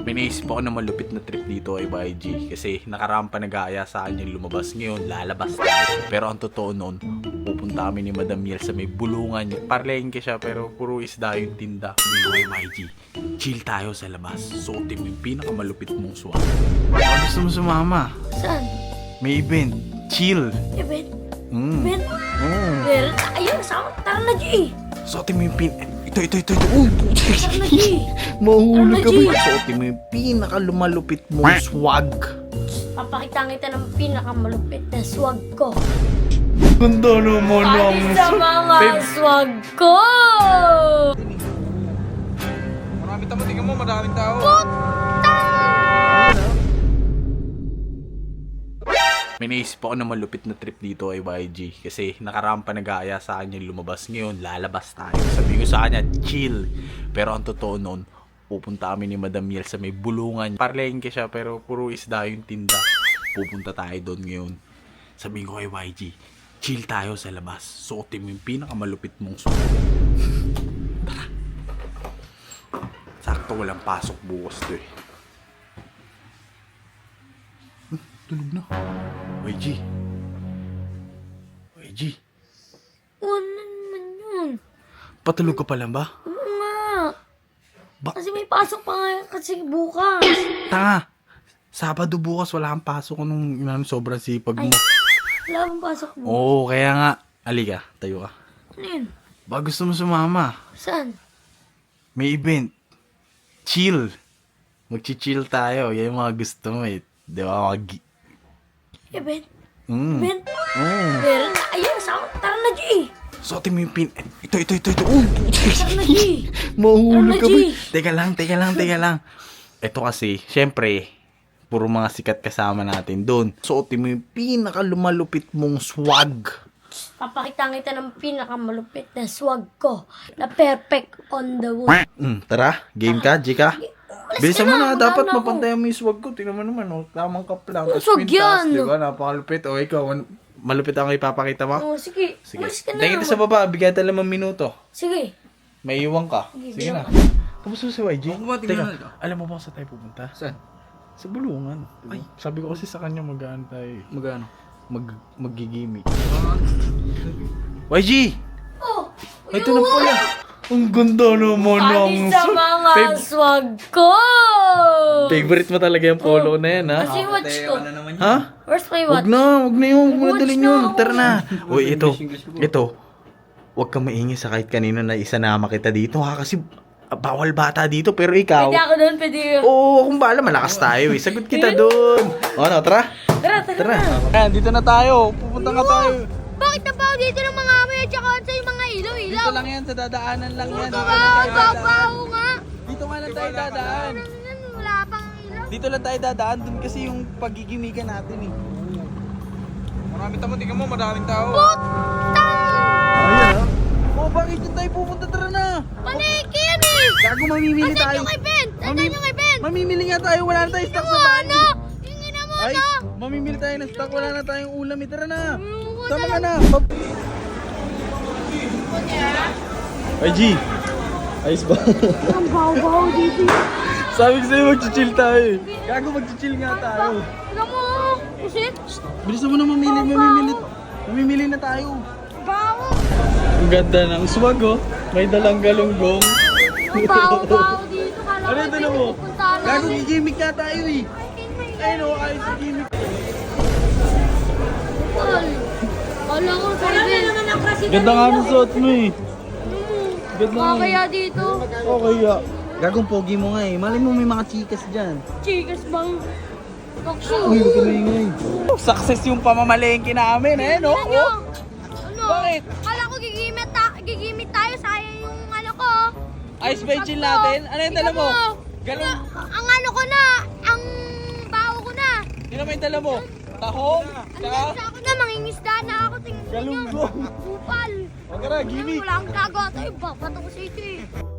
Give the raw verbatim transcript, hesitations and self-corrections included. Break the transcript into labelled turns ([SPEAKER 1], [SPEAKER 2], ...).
[SPEAKER 1] May naisip ako na malupit na trip dito ay Y G. Kasi nakarampa nag-aaya sa akin yung lumabas. Ngayon, lalabas tayo. Pero ang totoo noon, pupunta kami ni Madam Yel sa may bulungan. Parlengke siya pero puro isda yung tinda. May Y G, chill tayo sa labas. Suotin mo yung pinakamalupit mong swag. Baka gusto mo sumama?
[SPEAKER 2] Saan?
[SPEAKER 1] May event. Chill.
[SPEAKER 2] Event?
[SPEAKER 1] Mm.
[SPEAKER 2] Event?
[SPEAKER 1] Mm.
[SPEAKER 2] Meron tayo. Sama. Tara na, G.
[SPEAKER 1] Suotin mo yung pin... Ito, ito, ito, ito. Oh,
[SPEAKER 2] Tara na, G.
[SPEAKER 1] mahulog ka
[SPEAKER 2] Ano, G?
[SPEAKER 1] ba? Suotin mo yung pinakalumalupit mong swag.
[SPEAKER 2] Papakita kita ng pinakamalupit na swag ko.
[SPEAKER 1] Ganda naman ang
[SPEAKER 2] Pati sa mga
[SPEAKER 1] Babe,
[SPEAKER 2] swag ko!
[SPEAKER 3] Marami tamo, tingnan mo, maraming tao.
[SPEAKER 1] may naisip ako na malupit na trip dito ay Y G. Kasi nakarampa nag-aaya sa akin yung lumabas. Ngayon, lalabas tayo. Sabi ko sa kanya, chill. Pero ang totoo noon, pupunta kami ni Madam Yel sa may bulungan. Parlengke siya pero puro isda yung tinda. Pupunta tayo doon ngayon. Sabi ko kay Y G, chill tayo sa labas. Suotin mo yung pinakamalupit mong suot. Tara. Sakto walang pasok bukas to eh. Hmm, tulog na. Y G. Y G.
[SPEAKER 2] Ano naman yun?
[SPEAKER 1] Patulog ka pa lang ba?
[SPEAKER 2] Oo nga.
[SPEAKER 1] Ba-
[SPEAKER 2] Kasi may pasok pa nga kasi bukas.
[SPEAKER 1] Tanga. Sabado bukas wala kang pasok nung inano, sobrang sipag mo.
[SPEAKER 2] Ay. Wala bang pasok bukas?
[SPEAKER 1] Oo, kaya nga. Halika, tayo ka.
[SPEAKER 2] Ano yun?
[SPEAKER 1] Ba gusto mo sumama?
[SPEAKER 2] Saan?
[SPEAKER 1] May event. Chill. Magchi-chill tayo. Yan yung mga gusto mo eh. Di ba? Mag-
[SPEAKER 2] Event?
[SPEAKER 1] mm.
[SPEAKER 2] Event?
[SPEAKER 1] Mm.
[SPEAKER 2] Meron tayo. Sama. Tara na, G.
[SPEAKER 1] Suotin mo yung pin... Ito, ito, ito, ito. Oh,
[SPEAKER 2] Tara na, G.
[SPEAKER 1] mahulog ka
[SPEAKER 2] Ano,
[SPEAKER 1] ba?
[SPEAKER 2] G?
[SPEAKER 1] Teka lang, teka lang, teka lang. Ito kasi, syempre, puro mga sikat kasama natin doon. Suotin mo yung pinakalumalupit mong swag.
[SPEAKER 2] Papakita kita ng pinakamalupit na swag ko. Na perfect on the wood.
[SPEAKER 1] Mm, tara, game ka, G ka.
[SPEAKER 2] Alas
[SPEAKER 1] Bilisan
[SPEAKER 2] ka
[SPEAKER 1] mo
[SPEAKER 2] na,
[SPEAKER 1] na, dapat
[SPEAKER 2] magana ako.
[SPEAKER 1] mapantayan mo yung swag ko. Tingnan mo naman, oh, tamang kap lang.
[SPEAKER 2] Ang
[SPEAKER 1] Tapos
[SPEAKER 2] swag
[SPEAKER 1] pintas,
[SPEAKER 2] yan.
[SPEAKER 1] di ba? Napakalupit. O, ikaw, an- malupit ang ipapakita mo?
[SPEAKER 2] Oh, sige.
[SPEAKER 1] Sige.
[SPEAKER 2] Umalis ka na.
[SPEAKER 1] Tingin kita sa baba, bigyan tayo limang minuto.
[SPEAKER 2] Sige.
[SPEAKER 1] May iwan ka.
[SPEAKER 2] Sige,
[SPEAKER 1] Sige na. Kamusta si Y G?
[SPEAKER 3] Ako ba, tingnan
[SPEAKER 1] Teka,
[SPEAKER 3] na ito.
[SPEAKER 1] alam mo ba kung saan tayo pupunta?
[SPEAKER 3] Saan?
[SPEAKER 1] Sa bulungan. Ay, sabi ko kasi sa kanya mag-aan tayo. eh.
[SPEAKER 3] Magano?
[SPEAKER 1] Mag magigimik. Y G!
[SPEAKER 2] Oh,
[SPEAKER 1] Ay, ito na pala. Ang ganda naman ng...
[SPEAKER 2] pati sa mga
[SPEAKER 1] Babe,
[SPEAKER 2] swag ko!
[SPEAKER 1] favorite mo talaga yung polo na yan, ha?
[SPEAKER 2] Kasi watch ko.
[SPEAKER 3] Ano naman yun?
[SPEAKER 1] Ha?
[SPEAKER 2] Where's my
[SPEAKER 1] Wag
[SPEAKER 2] watch?
[SPEAKER 1] na, wag na yun. Huwag mo na
[SPEAKER 2] Watch
[SPEAKER 1] dalhin
[SPEAKER 2] na
[SPEAKER 1] yun.
[SPEAKER 2] ako.
[SPEAKER 1] Tara na. Uy, ito.
[SPEAKER 3] English, English po.
[SPEAKER 1] Ito. Huwag kang maingay sa kahit kanino na isanama kita dito, ha? Kasi ah, bawal bata dito, pero ikaw...
[SPEAKER 2] Pwede ako doon, pwede ako.
[SPEAKER 1] Oo, kung bahala, malakas tayo eh. Sagot kita doon. O, ano, tara.
[SPEAKER 2] Tara, tara,
[SPEAKER 1] Tara.
[SPEAKER 2] tara.
[SPEAKER 1] Ayan, dito na tayo. Pupunta nga tayo.
[SPEAKER 2] Bakit nabaw dito ng mga amoy at saka sa yung mga ilaw-ilaw?
[SPEAKER 3] Dito lang yan, sa dadaanan lang yan.
[SPEAKER 2] Ito nga, babaw nga.
[SPEAKER 3] Dito nga lang tayo dadaan.
[SPEAKER 2] Ano, wala pang ilaw.
[SPEAKER 3] Dito lang tayo dadaan, dun kasi yung pagigimikan natin eh. Marami tamo, tingnan mo, maraming tao.
[SPEAKER 1] Ayan, ha?
[SPEAKER 3] Oh, bakit dyan tayo pupunta? Tara na!
[SPEAKER 2] Paliki yan eh!
[SPEAKER 3] Gago, mamimili
[SPEAKER 2] Asan
[SPEAKER 3] tayo.
[SPEAKER 2] yung event? Asan
[SPEAKER 3] Mami-
[SPEAKER 2] yung event?
[SPEAKER 3] Mamimili nga tayo, wala na tayo stock sa bahay.
[SPEAKER 2] Ano? Hingin na mo
[SPEAKER 3] Ay,
[SPEAKER 2] na!
[SPEAKER 3] mamimili tayo ng stock, wala na tayong ulam eh. Tara na!
[SPEAKER 2] Ayoko
[SPEAKER 3] Tama
[SPEAKER 2] na.
[SPEAKER 3] ka na!
[SPEAKER 1] Y G. Ayos ba?
[SPEAKER 2] Ang baw-baw dito.
[SPEAKER 1] Sabi ko sa'yo, mag-chill tayo eh. Gago, mag-chill nga tayo.
[SPEAKER 2] Alam mo, pusit?
[SPEAKER 3] Bilisan mo na mamili, mamimili. Mamimili na tayo.
[SPEAKER 2] Bawo!
[SPEAKER 1] Ang ganda ng swag, oh. May dalang galunggong.
[SPEAKER 2] Ang baw-baw dito. Kala
[SPEAKER 1] Ano yung dala mo?
[SPEAKER 2] pinupuntahan
[SPEAKER 3] Gago,
[SPEAKER 2] namin.
[SPEAKER 3] gigimik nga tayo eh. Ayun o, ayos sa gimmick.
[SPEAKER 2] Tol. Kala ko sa event. naman ang klase
[SPEAKER 1] Ganda nga ng suot mo eh. Ganda nga.
[SPEAKER 2] Kaya dito,
[SPEAKER 1] Okay, ya.
[SPEAKER 3] Gagong pogi mo nga eh. Malay mo may mga chikas dyan.
[SPEAKER 2] chikas bang talkshow?
[SPEAKER 3] Uy, huwag ka maingay.
[SPEAKER 1] Success yung pamamalengke namin, eh, no?
[SPEAKER 2] Ano?
[SPEAKER 1] Oh.
[SPEAKER 2] Ano?
[SPEAKER 1] Bakit?
[SPEAKER 2] Kala ko gigimit, ta gigimit tayo, sayang yung ano ko.
[SPEAKER 1] Ayos ba yung chill natin? Ano yung dala mo? Galong...
[SPEAKER 2] Ang ano ko na, ang baho ko na.
[SPEAKER 1] Sino may dala mo? Tahong?
[SPEAKER 2] Ang ganda ako na, mangingisda na ako. Tingnan mo
[SPEAKER 1] Galunggong.
[SPEAKER 2] Kupal.
[SPEAKER 1] Huwag ka na, gimmick.
[SPEAKER 2] Wala akong gagawa tayo, babato ko sa ito eh.